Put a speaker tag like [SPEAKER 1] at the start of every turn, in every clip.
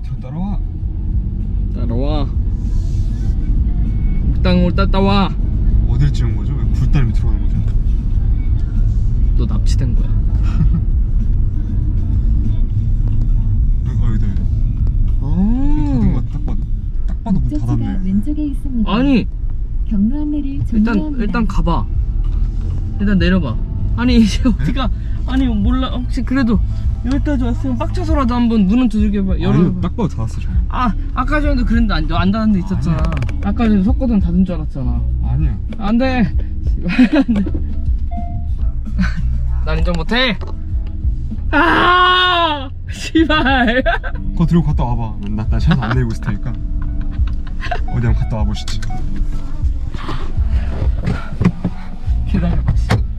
[SPEAKER 1] 밑으로 따라와.
[SPEAKER 2] 따라와. 땅을 따라와.
[SPEAKER 1] 어딜 찍은 거죠? 왜 굴다리 밑으로 가는 거죠?
[SPEAKER 2] 너 납치된 거야.
[SPEAKER 1] 여기다. 닫은 거 딱 봐도. 딱 봐도 문
[SPEAKER 3] 목적지가
[SPEAKER 1] 닫았네.
[SPEAKER 3] 왼쪽에 있습니다.
[SPEAKER 2] 아니
[SPEAKER 3] 경로 안내를 종료합니다.
[SPEAKER 2] 일단 가봐. 일단 내려봐. 아니 이제 어디가? 아니 몰라. 혹시 그래도 여기까지 왔으면 빡쳐서라도 한번 문은 두들겨봐.
[SPEAKER 1] 아니,
[SPEAKER 2] 열어봐.
[SPEAKER 1] 딱 봐도 닫았어 저.
[SPEAKER 2] 아까 전에도 그랬는데 안 닫은 데 있었잖아. 아까 전에 석고등 닫은 줄 알았잖아.
[SPEAKER 1] 아니야.
[SPEAKER 2] 안돼. 난 인정 못해. 씨발.
[SPEAKER 1] 그거 들고 갔다 와봐. 나 샷 안 내리고 있을 테니까. 어디 한번 갔다 와보시지.
[SPEAKER 2] 기다려봐.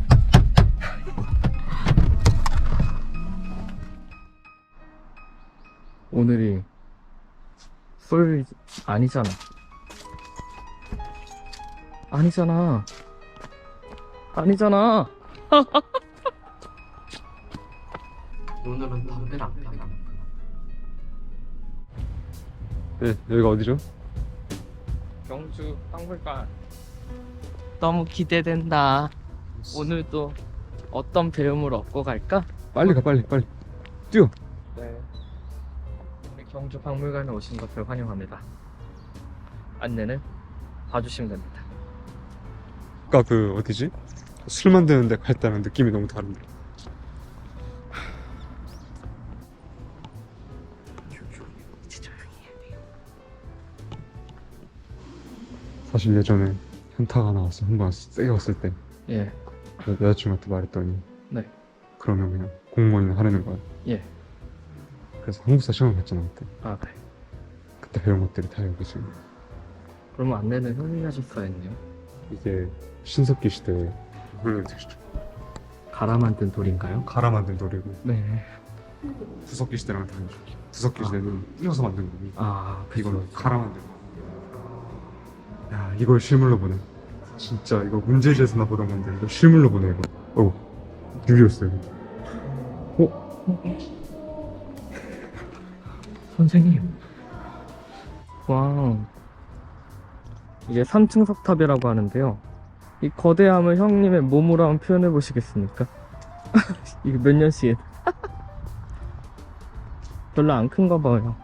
[SPEAKER 2] 오늘이 술 아니잖아. 아니잖아. 오늘은 담배를 안 피워.
[SPEAKER 1] 네, 여기가 어디죠?
[SPEAKER 2] 경주 박물관. 너무 기대된다. 오늘도 어떤 배움을 얻고 갈까?
[SPEAKER 1] 빨리 가, 빨리 뛰어.
[SPEAKER 2] 네. 우리 경주 박물관에 오신 것을 환영합니다. 안내는 봐주시면 됩니다.
[SPEAKER 1] 아까 그 어디지? 술 만드는 데 갈 때랑 느낌이 너무 다른데. 사실 예전에 현타가 나왔어. 한 번 세게 왔을 때
[SPEAKER 2] 예.
[SPEAKER 1] 여자친구한테 말했더니
[SPEAKER 2] 네.
[SPEAKER 1] 그러면 그냥 공무원이나 하라는 거야.
[SPEAKER 2] 예.
[SPEAKER 1] 그래서 한국사 시험을 봤잖아 그때.
[SPEAKER 2] 아 그래.
[SPEAKER 1] 그때 배운 것들이 다 여기 지금.
[SPEAKER 2] 그러면 안내는 형님이 하셨어야 했네요.
[SPEAKER 1] 이게 신석기 시대에 형님 되시죠.
[SPEAKER 2] 갈아 만든 돌인가요?
[SPEAKER 1] 갈아 만든 돌이고
[SPEAKER 2] 네.
[SPEAKER 1] 구석기 시대랑 다르죠. 구석기 시대는 띄어서 만든 거고
[SPEAKER 2] 아
[SPEAKER 1] 이거는 갈아 만든 거. 야 이걸 실물로 보네. 진짜 이거 문제지에서나 보던 건데 이거 실물로 보네 이거. 유리였어요.
[SPEAKER 2] 선생님. 와. 이게 3층 석탑이라고 하는데요. 이 거대함을 형님의 몸으로 한번 표현해 보시겠습니까? 이게 몇 년씩 별로 안 큰가 봐요.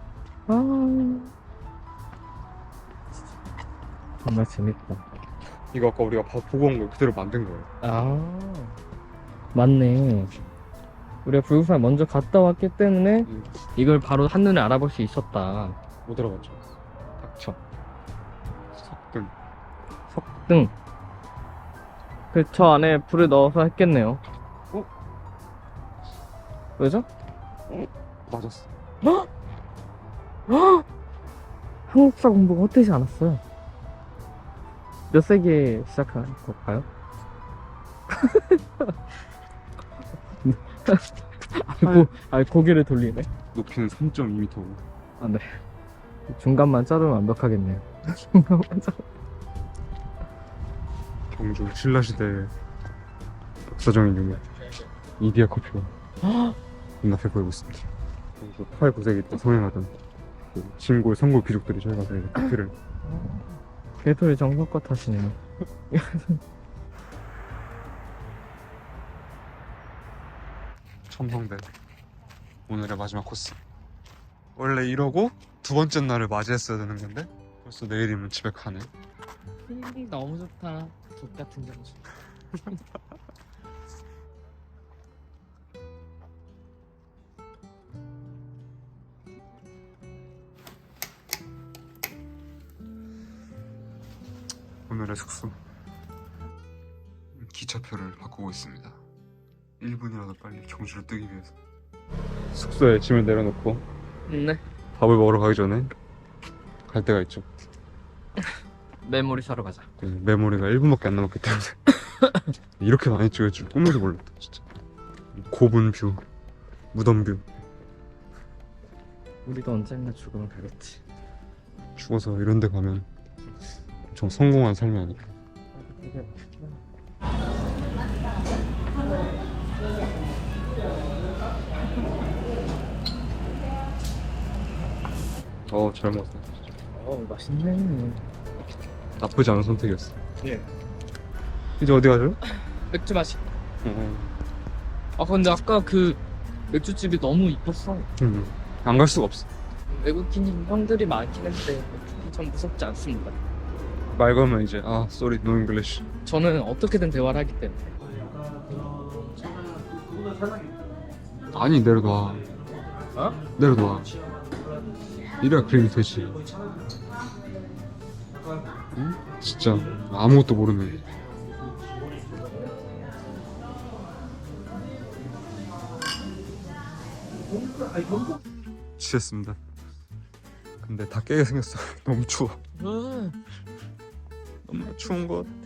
[SPEAKER 2] 정말 재밌다.
[SPEAKER 1] 이거 아까 우리가 보고 온 거 그대로 만든 거예요.
[SPEAKER 2] 맞네. 우리가 불국사에 먼저 갔다 왔기 때문에 이걸 바로 한눈에 알아볼 수 있었다.
[SPEAKER 1] 못 들어봤죠. 닥쳐. 석등.
[SPEAKER 2] 저 안에 불을 넣어서 했겠네요. 왜죠?
[SPEAKER 1] 맞았어.
[SPEAKER 2] 한국사 공부가 헛되지 않았어요. 몇 세기에 시작한 걸까요? 고개를 돌리네.
[SPEAKER 1] 높이는 3.2m고.
[SPEAKER 2] 아, 네. 중간만 자르면 완벽하겠네요.
[SPEAKER 1] 경주 신라시대 역사적인 유물 이디야 커피가 눈앞에 보이고 있습니다. 경주 8, 9세기 때 성행하던 그 진골 선골 귀족들이 저희 가서 이제 커피를.
[SPEAKER 2] 개소리 정성껏 하시네요.
[SPEAKER 1] 첨성대 오늘의 마지막 코스. 원래 이러고 두 번째 날을 맞이했어야 되는 건데 벌써 내일이면 집에 가네.
[SPEAKER 2] 필링 너무 좋다. 족 같은 경주.
[SPEAKER 1] 오늘의 숙소 기차표를 바꾸고 있습니다. 1분이라도 빨리 경주를 뜨기 위해서. 숙소에 짐을 내려놓고
[SPEAKER 2] 네.
[SPEAKER 1] 밥을 먹으러 가기 전에 갈 데가 있죠.
[SPEAKER 2] 메모리 사러 가자.
[SPEAKER 1] 메모리가 1분밖에 안 남았기 때문에 이렇게 많이 찍을 줄 꿈에도 몰랐다 진짜. 고분 뷰, 무덤 뷰.
[SPEAKER 2] 우리도 언젠가 죽으면 가겠지.
[SPEAKER 1] 죽어서 이런 데 가면 엄청 성공한 삶이 아닐까. 잘 먹었어.
[SPEAKER 2] 맛있네.
[SPEAKER 1] 나쁘지 않은 선택이었어.
[SPEAKER 2] 예.
[SPEAKER 1] 이제 어디 가죠?
[SPEAKER 2] 맥주 마시. 아 근데 아까 그 맥주집이 너무 이뻤어.
[SPEAKER 1] 안 갈 수가 없어.
[SPEAKER 2] 외국인 형들이 많긴 한데 전 무섭지 않습니다.
[SPEAKER 1] 말 걸면 이제 sorry, no English.
[SPEAKER 2] 저는 어떻게든 대화를 하기 때문에.
[SPEAKER 1] 아니 내려놔. 내려놔. 이래야 그림이 되지. 응? 진짜 아무것도 모르네. 취했습니다. 근데 다 깨게 생겼어. 너무 추워. 너무 추운 것 같아.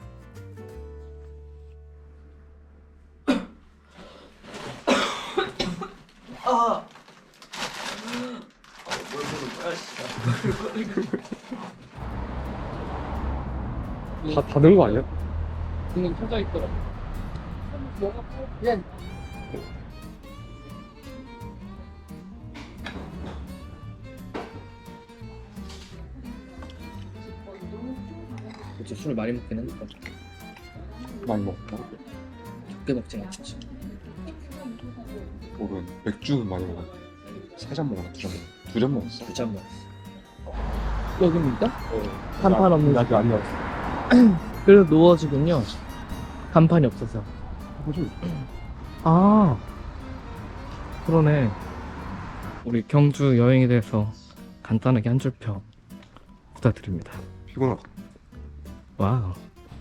[SPEAKER 1] 다 닫은 거 아니야?
[SPEAKER 2] 그냥 켜져 있더라. 예. 그치, 술 많이 먹긴 했는데
[SPEAKER 1] 많이 먹었나?
[SPEAKER 2] 적게 먹진 않지.
[SPEAKER 1] 오른 맥주 많이 먹었네. 3잔 먹었나? 2잔 먹었나? 2잔 먹었어.
[SPEAKER 2] 2잔 먹었어. 여기입니까? 간판 없는
[SPEAKER 1] 아직 안 나왔어.
[SPEAKER 2] 그래도 누워지군요. 간판이 없어서. 아 그러네. 우리 경주 여행에 대해서 간단하게 한 줄평 부탁드립니다.
[SPEAKER 1] 피곤하다.
[SPEAKER 2] 와우.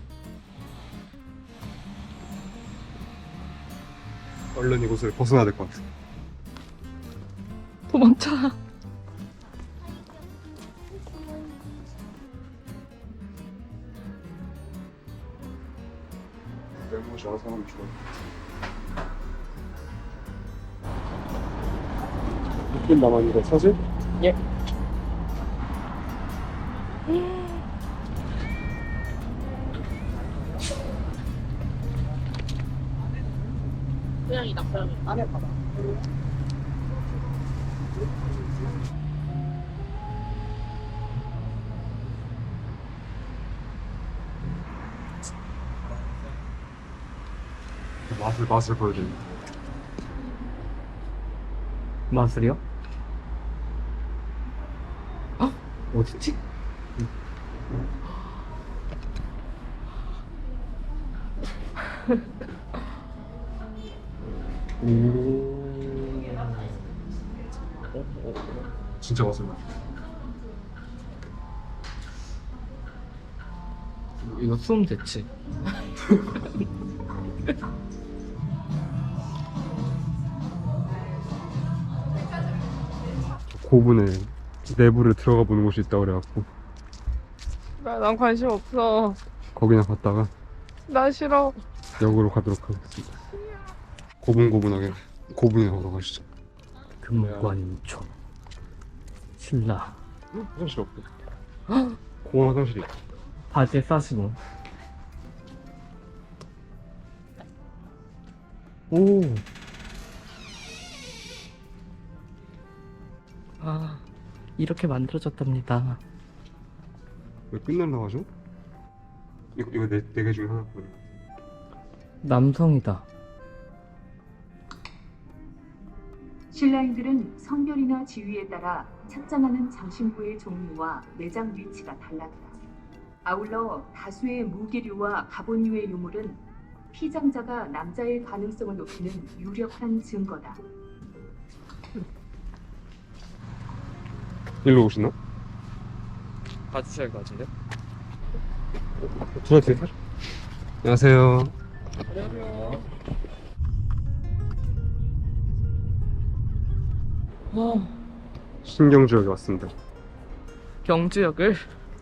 [SPEAKER 1] 얼른 이곳을 벗어나야 될 것 같아.
[SPEAKER 2] 도망쳐.
[SPEAKER 1] 외모 좋아하는 사람이 좋아. 몇분 남았는데 사실?
[SPEAKER 2] 예. 고양이다, 고양이. 안에 봐봐.
[SPEAKER 1] 맛을 보여드립니다.
[SPEAKER 2] 맛을요? 어딨지?
[SPEAKER 1] 진짜 맛을 봐.
[SPEAKER 2] 이거 수음 됐지?
[SPEAKER 1] 고분에 내부를 들어가 보는 곳이 있다고 그래갖고
[SPEAKER 2] 난 관심 없어.
[SPEAKER 1] 거기나 갔다가
[SPEAKER 2] 나 싫어.
[SPEAKER 1] 역으로 가도록 하겠습니다. 고분고분하게 고분이나 보러 가시죠.
[SPEAKER 2] 금관초 신라
[SPEAKER 1] 화장실 없고 공원 화장실이 있고.
[SPEAKER 2] 바지에 싸시고. 오. 이렇게 만들어졌답니다.
[SPEAKER 1] 왜 끝날라고 하죠? 이거 네 개 중에 하나거든요.
[SPEAKER 2] 남성이다.
[SPEAKER 3] 신라인들은 성별이나 지위에 따라 착장하는 장신구의 종류와 매장 위치가 달랐다. 아울러 다수의 무기류와 가본류의 유물은 피장자가 남자의 가능성을 높이는 유력한 증거다.
[SPEAKER 1] 일로 오시나?
[SPEAKER 2] 봐주셔야 할 것 같은데?
[SPEAKER 1] 둘한테 안녕하세요.
[SPEAKER 2] 안녕하세요.
[SPEAKER 1] 신경주역에 왔습니다.
[SPEAKER 2] 경주역을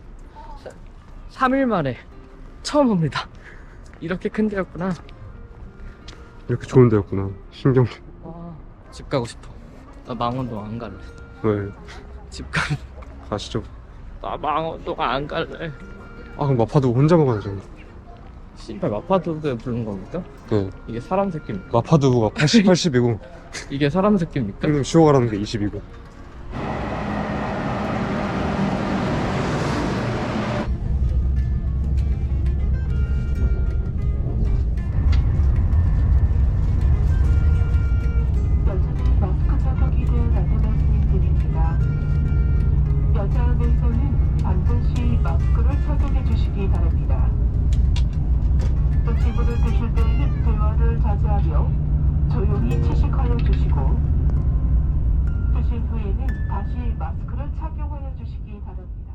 [SPEAKER 2] 3일 만에 처음 옵니다. 이렇게 큰 데였구나.
[SPEAKER 1] 이렇게 좋은 데였구나. 신경주.
[SPEAKER 2] 집 가고 싶어. 나 망원동 안 갈래.
[SPEAKER 1] 왜?
[SPEAKER 2] 집 갈래.
[SPEAKER 1] 가시죠.
[SPEAKER 2] 나 망원동 안 갈래.
[SPEAKER 1] 그럼 마파도 혼자 먹어야죠.
[SPEAKER 2] 씨발 마파두부에 부른 겁니까?
[SPEAKER 1] 네.
[SPEAKER 2] 이게 사람 새끼입니까?
[SPEAKER 1] 마파두부가 80이고
[SPEAKER 2] 이게 사람 새끼입니까?
[SPEAKER 1] 형님 쉬어가라는 게 20이고.
[SPEAKER 4] 마스크를 착용해 주시기 바랍니다. 또 지문을 드실 때에는 대화를 자제하며 조용히 채식하여 주시고 드신 후에는 다시 마스크를 착용하여 주시기 바랍니다.